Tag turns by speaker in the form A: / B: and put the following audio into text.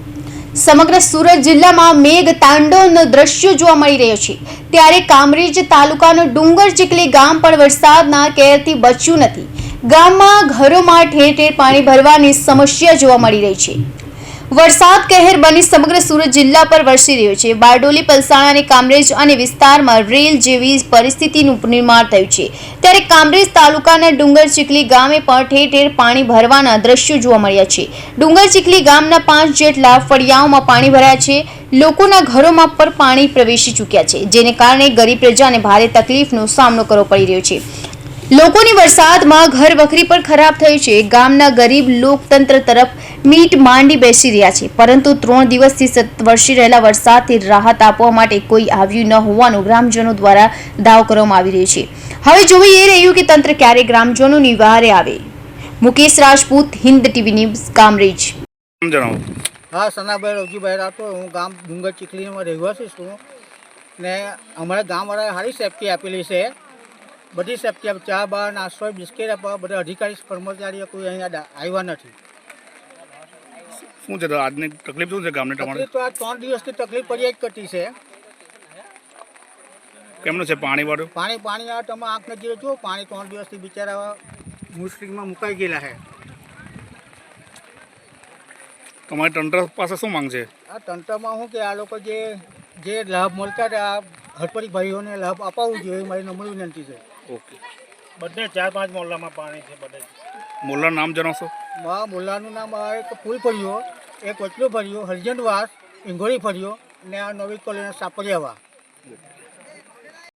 A: સમગ્ર સુરત જિલ્લામાં મેઘ તાંડવનો દ્રશ્ય જોવા મળી રહ્યો છે। ત્યારે કામરેજ તાલુકાનું ડુંગર ચીખલી ગામ પણ વરસાદના કહેરથી બચ્યું નથી। ગામમાં ઘરોમાં ઠેર ઠેર પાણી ભરવાની સમસ્યા જોવા મળી રહી છે। વરસાદ કહેર બની સમગ્ર સુરત જિલ્લા પર વરસી રહ્યો છે। બારડોલી, પલસાણા અને કામરેજ અને વિસ્તારમાં રેલ જેવી પરિસ્થિતિનું નિર્માણ થયું છે। ત્યારે કામરેજ તાલુકાના ડુંગર ચીખલી ગામે પણ ઠેર ઠેર પાણી ભરવાના દ્રશ્યો જોવા મળ્યા છે। ડુંગર ચીખલી ગામના 5 જેટલા ફળિયાઓમાં પાણી ભરાયા છે। લોકોના ઘરોમાં પણ પાણી પ્રવેશી ચૂક્યા છે, જેને કારણે ગરીબ પ્રજાને ભારે તકલીફનો સામનો કરવો પડી રહ્યો છે। લોકોની વરસાદમાં ઘર વખરી પણ ખરાબ થઈ છે। ગામના ગરીબ લોકતંત્ર તરફ મીટ માંડી બેસી રહ્યા છે, પરંતુ 3 દિવસથી સતત વરસી રહેલા વરસાદથી રાહત આપવા માટે કોઈ આવ્યું ન હોવાનું ગ્રામજનો દ્વારા દાવો કરવામાં આવી રહ્યો છે। હવે જોવું એ રહ્યું કે તંત્ર ક્યારે ગ્રામજનોની વહારે આવે। Mukesh Rajput, Hind TV news, Kamrej.
B: हाँ, सनाभाई रवजीभाई राठोड। हूँ गाम डूंगर चीखली में रहवासी छूँ ने अमरा गामवाळाए सारी सेफ्टी आपेली है। बड़ी सेफ्टी चा बा नास्तो बिस्किट आपवा बधा अधिकारी कर्मचारीओ कोई अहींया आव्या नथी।
C: શું છે તો આજની તકલીફ શું છે ગામને તમારે?
B: તકલીફ તો આ 3 દિવસથી તકલીફ પડી જ કરતી છે।
C: કેમનું છે પાણી વાળું?
B: પાણી આ તમે આંખ નજીક જુઓ, પાણી 3 દિવસથી બિચારા મુશ્કેલીમાં મુકાઈ ગયેલા છે।
C: તમારી તંત્ર પાસે શું માંગ છે?
B: આ તંત્રમાં શું કે આ લોકો જે લાભ મળતા હતા હડપડી ભાઈઓને લાભ અપાવવું જોઈએ, મારી નમ્ર વિનંતી છે।
C: ઓકે,
D: બધે 4-5 મોહલ્લામાં પાણી છે બધે।
C: મોલ્લાનું નામ જણાવશો?
B: મોલ્લાનું નામ એક ફૂલ ફળિયો, એક વચલો ફળિયો, હરજનવાસ, ઇંગોળી ફળિયો ને આ નવી કોલોની સાપરિયાવા।